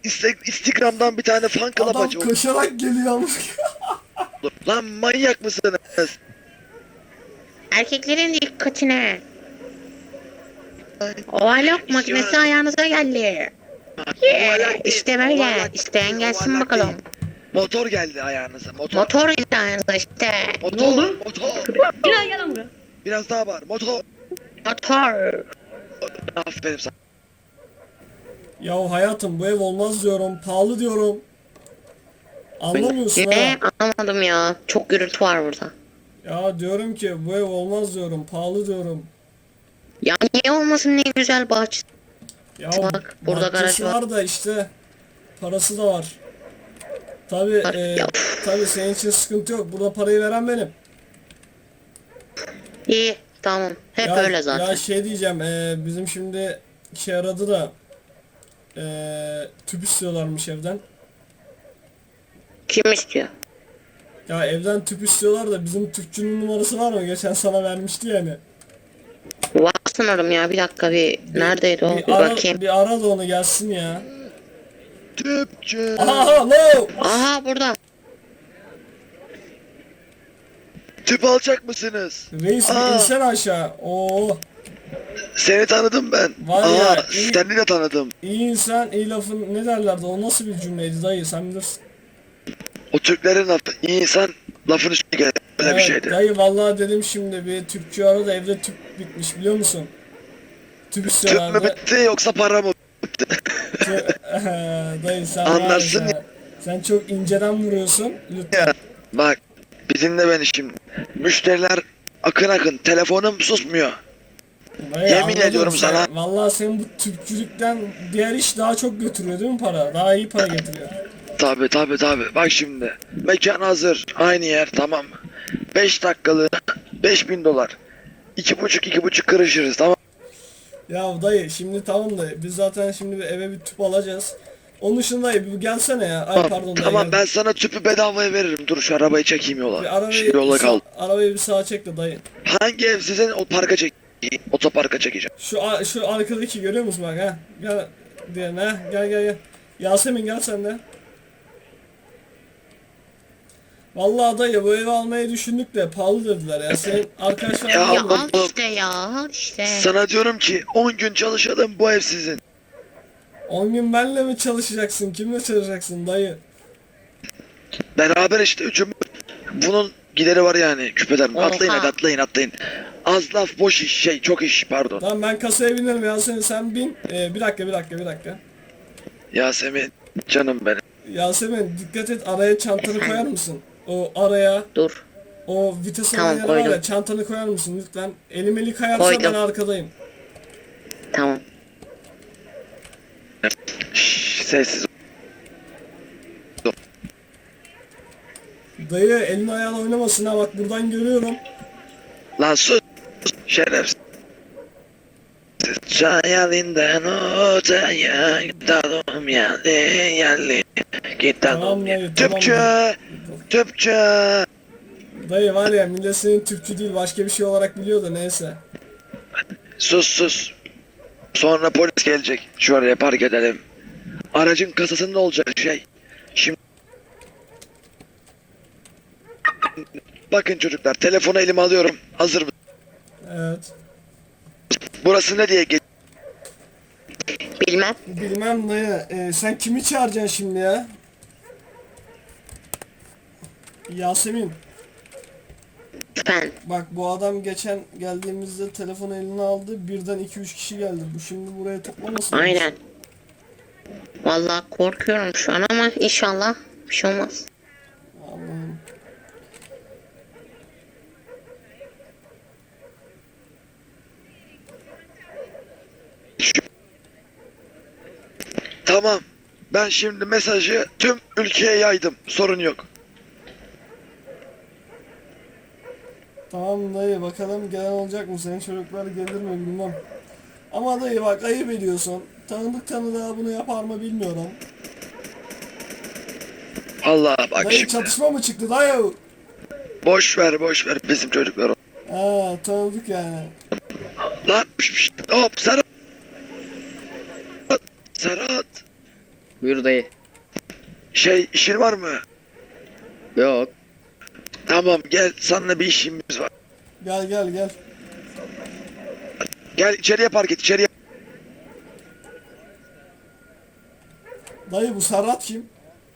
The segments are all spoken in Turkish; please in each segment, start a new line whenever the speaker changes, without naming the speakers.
Instagram'dan bir tane fan club
Adam
aç.
koşarak geliyor.
Lan manyak mısınız?
Erkeklerin dikkatine. Ovalok makinesi ayağınıza geldi. İşte böyle. İsteyen gelsin bakalım.
Motor geldi ayağınıza.
Motor geldi ayağınıza işte.
Motor.
Ne oldu?
Motor.
Gel gel lan buraya.
Biraz daha var. Motor.
Motor.
Aferin sana.
Ya hayatım bu ev olmaz diyorum. Pahalı diyorum. Anlamıyorsun
Ne?
ha.
Anlamadım ya. Çok gürültü var burada.
Ya diyorum ki bu ev olmaz diyorum. Pahalı diyorum.
Ya niye olmasın, ne güzel bahçe.
Ya
Bak, burada
bahçesi
garaj var.
var da işte parası da var. Tabi
Ya.
tabi senin için sıkıntı yok. Burada parayı veren benim.
İyi, tamam. Hep
Ya,
öyle zaten.
ya şey diyeceğim, bizim şimdi şey aradı da tüp istiyorlarmış evden.
Kim istiyor?
Ya evden tüp istiyorlar da bizim tüpçünün numarası var mı? Geçen sana vermişti yani.
Var sanırım ya, bir dakika neredeydi o? Bir
ara,
bakayım.
bir ara da onu gelsin ya.
Tüpçü.
Aha no!
Aha, burada.
Tüp alacak mısınız?
Reis bir
Aa.
insen aşağı. Oo,
Seni tanıdım ben.
Var ya, iyi-
Seni de tanıdım.
iyi insan iyi lafın ne derlerdi? O nasıl bir cümleydi dayı, sen bilirsin.
O Türklerin lafı. İyi insan lafın üstüne gelir. Öyle bir şeydi.
Dayı vallahi dedim şimdi bir tüpçü aradı, evde tüp bitmiş biliyor musun? Tüp
Tüp mü
istiyorlardı.
bitti yoksa para mı?
Dayı sen
Anlarsın
var ya, sen çok inceden vuruyorsun lütfen.
Ya, bak bir dinle beni şimdi. Müşteriler akın akın. Telefonum susmuyor.
Dayı,
Yemin
anladım
ediyorum
sen.
sana.
Vallahi senin bu tüpçülükten diğer iş daha çok götürüyor değil mi para? Daha iyi para getiriyor.
Tabi tabi tabi. Bak şimdi. Mekan hazır. Aynı yer tamam mı? 5 dakikalı 5.000 dolar. 2,5 kırışırız tamam.
Ya dayı şimdi tamam da biz zaten şimdi bir eve bir tüp alacağız. Onun dışında dayı bir gelsene ya. Ay pardon dayı.
Tamam
gel.
ben sana tüpü bedavaya veririm. Dur şu arabayı çekeyim yola.
Bir arabayı,
Şu yola kal.
arabayı bir sağa çek de dayı.
Hangi ev sizin? O parka çekeyim. Otoparka çekeceğim.
Şu arkadaki görüyor musun bak ha? Gel diyen ha, gel. Yasemin gel sen de. Vallahi dayı bu evi almayı düşündük de pahalı dediler ya. Senin arkadaşlar
Ya,
Ya
var mı?
al işte ya, al işte.
Sana diyorum ki 10 gün çalışalım bu ev sizin.
10 gün benle mi çalışacaksın? Kimle çalışacaksın dayı?
Beraber işte üçümüz. Bunun gideri var yani küpeden.
Oha.
Atlayın hadi atlayın. Az laf boş iş çok iş pardon.
Tamam ben kasaya binerim Yasemin sen bin. Bir dakika.
Yasemin canım benim.
Yasemin dikkat et, araya çantanı koyar mısın? O araya,
Dur.
o vites
Tamam,
olan yere var ya,
koydum.
çantanı koyar mısın lütfen? Elim kayarsa
Koydum.
ben arkadayım.
Tamam.
Şşş, sessiz ol.
Dayı elin ayağın oynamasın ha, bak buradan görüyorum.
Lan sus. Şerefsiz. Çayalinden otaya gidelim yerli. Gidelim
Tamam dayı, tamam
Tüpçü.
dayı.
Tüpçü.
Dayı var ya, millet senin tüpçü değil başka bir şey olarak biliyor da neyse.
Sus. Sonra polis gelecek. Şuraya park edelim. Aracın kasasında olacak şey. Şimdi bakın çocuklar telefonu elime alıyorum. Hazır mı?
Evet.
Burası ne diye geç.
Bilmem.
Bilmem dayı, sen kimi çağıracaksın şimdi ya? Yasemin.
Ben.
Bak bu adam geçen geldiğimizde telefonu eline aldı, birden 2-3 kişi geldi. Bu şimdi buraya toplamasın.
Aynen. Vallahi korkuyorum şu an ama inşallah bir şey olmaz.
Allah'ım.
Tamam. Ben şimdi mesajı tüm ülkeye yaydım. Sorun yok.
Tamam dayı, bakalım gelen olacak mı? Senin çocuklar gelir mi bilmem. Ama dayı bak ayıp ediyorsun. Tanıdık tanıdığa bunu yapar mı bilmiyorum.
Allah bak
Dayı
şimdi.
çatışma mı çıktı dayı?
Boş ver bizim çocuklar.
Ha tanıdık yani.
Lan hop Serhat. Serhat.
Buyur dayı.
İşin var mı?
Yok.
Tamam gel, seninle bir işimiz var.
Gel gel gel.
Gel içeriye park et, içeriye.
Dayı bu Serhat kim?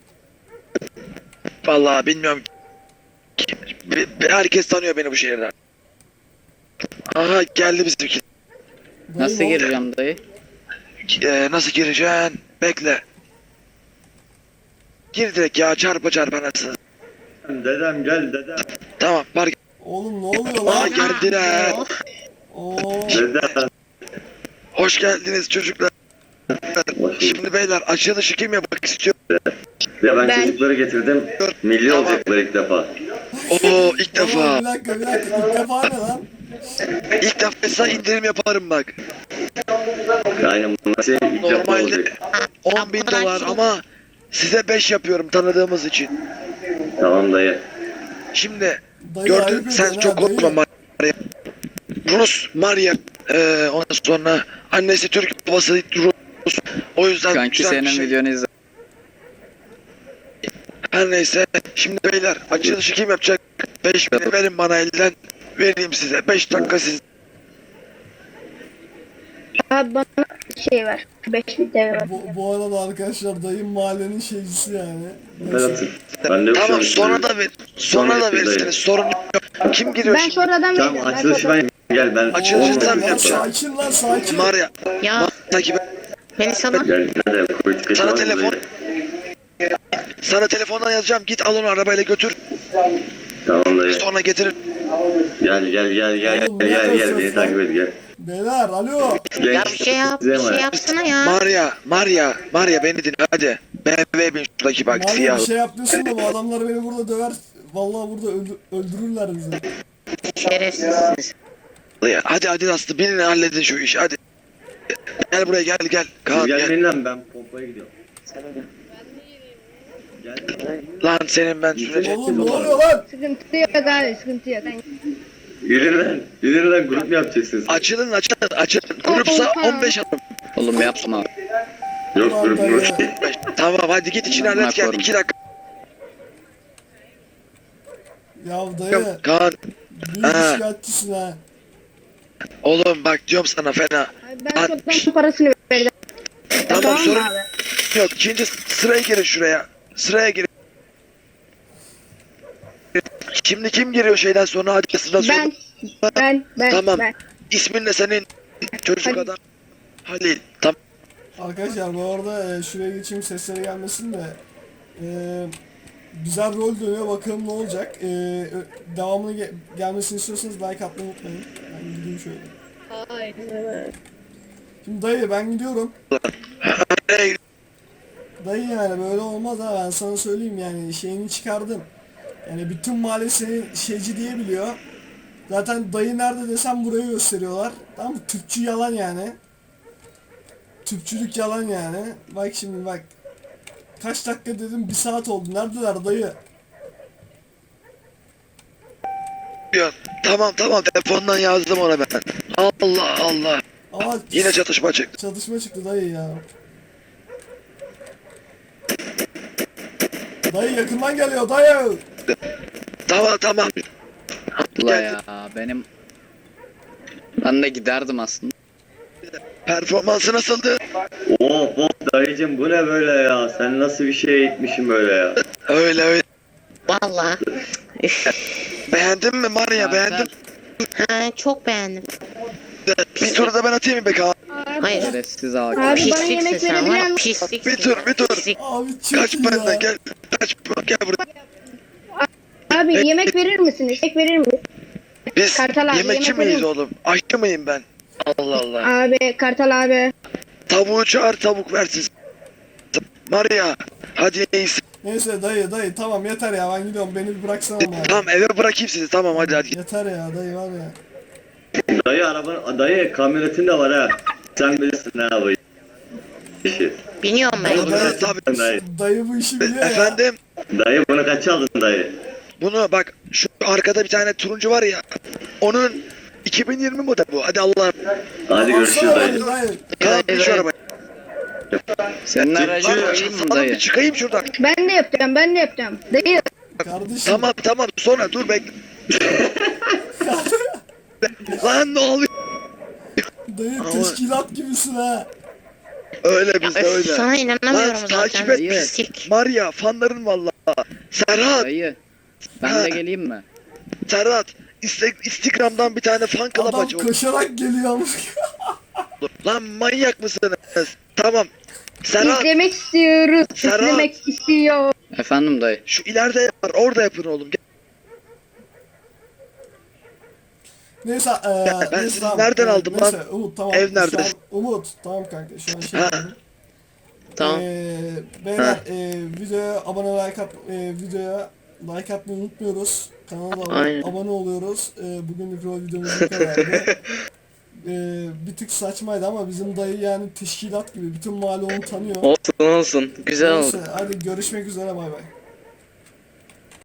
Vallahi bilmiyorum. Herkes tanıyor beni bu şehirden. Aha geldi bizimki.
Dayı
Nasıl
ne oldu?
gireceğim dayı?
Nasıl gireceksin? Bekle. Gir direkt ya, çarpa anasını.
Dedem gel dedem.
Tamam park.
Oğlum ne oluyor
Aa
lan?
geldiler.
Oo.
Dedem.
Hoş geldiniz çocuklar. Şimdi beyler, açılışı kim yapmak istiyor?
Ya ben çocukları getirdim. Milli
Tamam.
olacaklar ilk defa.
Oo ilk
Tamam,
defa.
bir dakika. İlk defa ne lan?
İlk defa indirim yaparım bak.
Aynen bunlar şey ilk defa
Normalde
olacak.
10 bin dolar ama size 5 yapıyorum tanıdığımız için.
Tamam dayı.
Şimdi
Dayı
gördün,
ayıp
sen
ediyorsun
çok
ha, dayı.
konuşma Maria. Rus Maria, ondan sonra annesi Türk, babası Rus. O yüzden
Kanki
güzel bir
senin
şey.
videonu izle.
Her neyse, şimdi beyler açılışı kim yapacak? 5 bin verin bana elden, vereyim size 5 dakika siz.
Abi bana şey ver. 5000 TL ver.
Bu arada arkadaşlar dayım mahallenin şeycisi yani. Neyse.
Berat'ım. Ben de yok
Tamam
şu an.
sonra da ver, sonra da verirsiniz, sorun yok. Kim giriyor
Ben
şimdi?
sonradan
Tamam
vereceğim.
açılışı ben gel ben.
Açılışı
Oo,
sen mi
lan
yapacaksın?
sakin lan sakin.
Maria,
Ya
takip et.
beni salın.
Gel nerede politika
Sana
var mı
telefon-
dayı?
Sana telefondan yazacağım, git al onu arabayla götür,
Tamam dayı.
sonra getirin.
Gel
Oğlum,
gel
ne
beni
yapıyorsun
takip et gel.
Beyler alo.
Gel
Ya bir şey yap. Bir şey yapsana ya.
Maria beni dinle hadi. BMW bin şuradaki bak
Mahalle
siyah.
bir şey yapıyorsun da bu adamlar beni burada döver. Vallahi burada öldürürler bizi.
Şerefsizsiniz.
Hadi Aslı, binin halledin şu işi hadi. Gel buraya gel.
Siz
Kaan gel.
gelmeyin lan ben pompaya gidiyorum. Gel.
Lan senin ben süreceğim.
Oğlum ne oluyor lan?
Sıkıntı yok abi sıkıntı yok.
Yürü lan grup mu yapacaksınız?
Açılın. Grupsa 15 alın.
Oğlum yapma.
Yok grup mu?
Tamam hadi git içini hallet gel. 2 dakika.
Ya dayı
Kaan
büyük
Ha.
şikayetçisin ha.
oğlum bak diyorum sana fena.
Abi ben çoktan parasını verdim.
Tamam
mı
sorun
abi?
yok. İkinci sıraya girin şuraya. Sıraya girin. Şimdi kim giriyor şeyden sonra, hadi sıra sonra.
Ben.
Tamam.
Ben.
İsmin ne senin? Çocuk
Halil.
adam. Halil. Tamam.
Arkadaşlar bu arada şuraya geçeyim sesleri gelmesin de. Güzel rol dönüyor, bakalım ne olacak. Devamını gelmesini istiyorsanız like atmayı unutmayın. Ben gideyim şöyle. Şimdi dayı ben gidiyorum.
Hey,
Dayı yani böyle olmaz ha, ben sana söyleyeyim yani şeyini çıkardım. Yani bütün mahalle seni şeyci diye biliyor. Zaten dayı nerede desem burayı gösteriyorlar. Tamam mı? Tüpçü yalan yani. Tüpçülük yalan yani. Bak şimdi bak. Kaç dakika dedim, 1 saat oldu. Neredeler dayı?
diyorsun. Tamam telefondan yazdım ona ben. Allah.
Ama
Yine çatışma çıktı.
çatışma çıktı dayı ya. Dayı yakından geliyor dayı.
Tamam.
Ula ya benim. Ben de giderdim aslında.
Performansı nasıldı?
Of dayıcım bu ne böyle ya? Sen nasıl bir şey eğitmişsin böyle ya?
Öyle.
Vallahi. Üf.
Beğendin mi Maria, beğendin?
Ha, çok beğendim.
Bir tur da ben atayım mı be Kaan?
Hayır.
Şerefsiz ağabey.
Abi bana
Pisliksin
yemek
sen
verebilir
var.
misin?
Pisliksin.
Bir tur.
Pislik.
Abi çok
Kaç
iyi
benden
ya.
gel. Gel buraya.
Abi yemek verir misiniz? Yemek verir misiniz?
Biz
Kartal abi,
yemekçi
yemek
miyiz
verir
oğlum? Aşçı mıyım ben? Allah.
Abi Kartal abi.
Tavuğu çağır, tavuk versin. Maria hadi iyisi.
Neyse dayı tamam yeter ya, ben gidiyorum, beni bir bıraksana ama.
Tamam eve bırakayım sizi, tamam hadi.
Yeter ya dayı var ya.
Dayı kamyonetin de var ha. Sen bilirsin ne abi. İşi.
Biniyorum ben.
Tabii, tabii.
Dayı
Bu işi biliyor ya.
Efendim
bunu kaça aldın dayı?
bunu bak, şu arkada bir tane turuncu var ya. Onun 2020 model bu. Hadi Allah.
Hadi görüşürüz
Alsana
dayı.
beni dayı.
Kaan bin şu
evet.
arabaya.
Senin aracın
Lan
koyayım mı
sana bir
dayı?
çıkayım şuradan.
Ben de yapacağım, ben de yapacağım. Dayı,
Kardeşim.
Tamam sonra dur bekle. Lan ne oluyor?
Dayı
Ama-
teşkilat gibisin ha.
Öyle bizde
Öf,
öyle.
sana inanamıyorum
Lan
zaten.
takip et
Dayı.
Pislik.
Maria fanların valla. Serhat,
Dayı. Ben
Ha.
de geleyim mi?
Serhat. Instagram'dan bir tane fan club
Adam
aç oğlum.
koşarak geliyor ama.
Lan manyak mısınız? Tamam. Serhat
izlemek istiyoruz.
Serhat.
İzlemek istiyor.
Efendim dayı.
şu ileride var orada yapın oğlum.
Neyse
ben
neyse,
sizi
tamam.
nereden aldım
Neyse,
lan?
Umut tamam.
Ev
Şu
nerede?
an- Umut tamam kanka şu an şey
Ha.
yapalım.
Tamam.
Beyler videoya abone videoya like atmayı unutmuyoruz. Kanala da
Aynen.
abone oluyoruz. Bugün mikro videomuz bu kadardı. Bir tık saçmaydı ama bizim dayı yani teşkilat gibi bütün mahalle onu tanıyor.
Olsun olsun. Güzel oldu.
Neyse hadi görüşmek üzere bay bay.